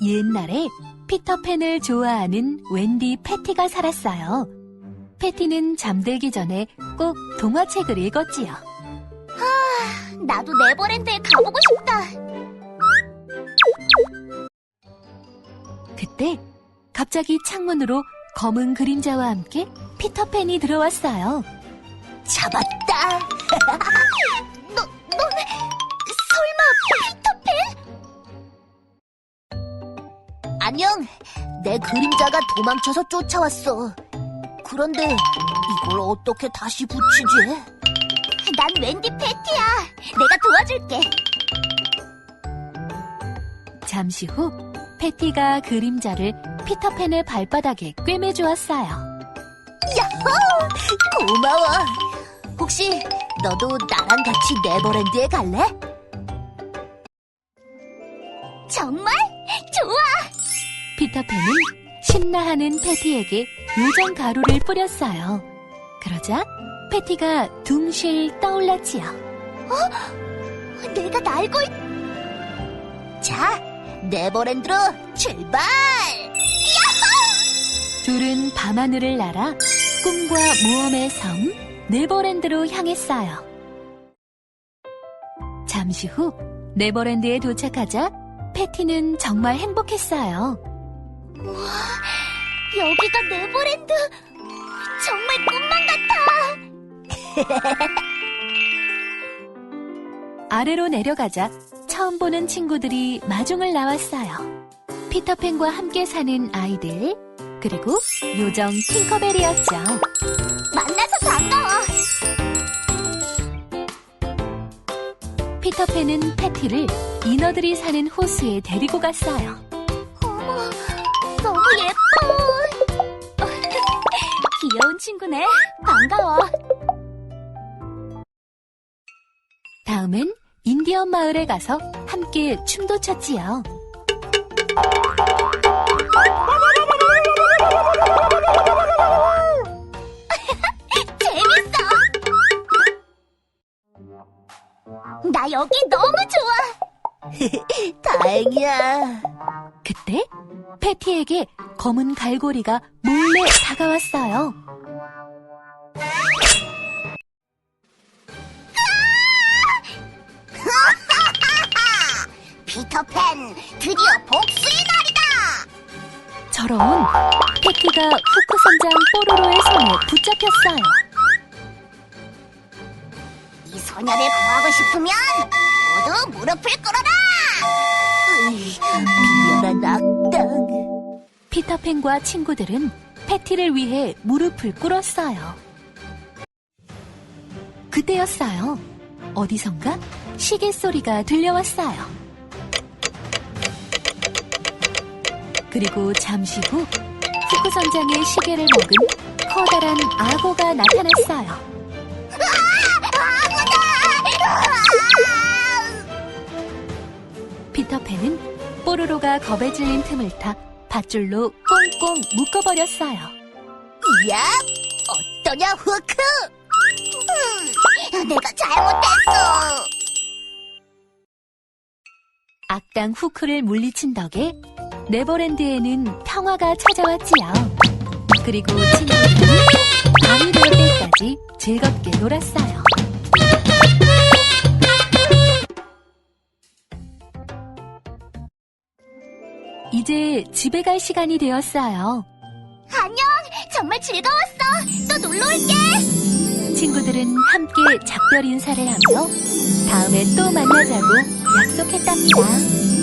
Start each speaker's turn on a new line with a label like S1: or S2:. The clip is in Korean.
S1: 옛날에 피터팬을 좋아하는 웬디 패티가 살았어요. 패티는 잠들기 전에 꼭 동화책을 읽었지요.
S2: 나도 네버랜드에 가보고 싶다.
S1: 그때 갑자기 창문으로 검은 그림자와 함께 피터팬이 들어왔어요.
S2: 잡았다. 너 설마 피터팬? 안녕. 내 그림자가 도망쳐서 쫓아왔어. 그런데 이걸 어떻게 다시 붙이지? 난 웬디 패티야. 내가 도와줄게.
S1: 잠시 후 패티가 그림자를 피터팬의 발바닥에 꿰매주었어요.
S2: 야호! 고마워. 혹시 너도 나랑 같이 네버랜드에 갈래? 정말? 좋아!
S1: 피터팬은 신나하는 패티에게 요정 가루를 뿌렸어요. 그러자 패티가 둥실 떠올랐지요.
S2: 내가 날고 자, 네버랜드로 출발!
S1: 둘은 밤하늘을 날아 꿈과 모험의 섬 네버랜드로 향했어요. 잠시 후 네버랜드에 도착하자 패티는 정말 행복했어요.
S2: 여기가 네버랜드! 정말 꿈만 같아!
S1: 아래로 내려가자 처음 보는 친구들이 마중을 나왔어요. 피터팬과 함께 사는 아이들, 그리고 요정 팅커벨이었죠.
S2: 만나서 반가워!
S1: 피터팬은 패티를 인어들이 사는 호수에 데리고 갔어요.
S2: 어머, 너무 예뻐! 귀여운 친구네. 반가워.
S1: 다음은 인디언 마을에 가서 함께 춤도 췄지요.
S2: 재밌어! 나 여기 너무 좋아! 다행이야.
S1: 그때 패티에게 검은 갈고리가 몰래 다가왔어요.
S2: 피터팬, 드디어 복수의 날이다!
S1: 저런, 패티가 후크 선장 뽀로로의 손에 붙잡혔어요.
S2: 이 소녀를 구하고 싶으면 모두 무릎을 꿇어라! 비열한 악당.
S1: 피터팬과 친구들은 패티를 위해 무릎을 꿇었어요. 그때였어요. 어디선가 시계 소리가 들려왔어요. 그리고 잠시 후 후크 선장의 시계를 먹은 커다란 악어가 나타났어요. 피터팬은 뽀로로가 겁에 질린 틈을 타 밧줄로 꽁꽁 묶어버렸어요.
S2: 야, 어떠냐, 후크? 내가 잘못했어.
S1: 악당 후크를 물리친 덕에 네버랜드에는 평화가 찾아왔지요. 그리고 친구들은 밤이 될 때까지 즐겁게 놀았어요. 이제 집에 갈 시간이 되었어요.
S2: 안녕, 정말 즐거웠어. 또 놀러 올게.
S1: 친구들은 함께 작별 인사를 하며 다음에 또 만나자고 약속했답니다.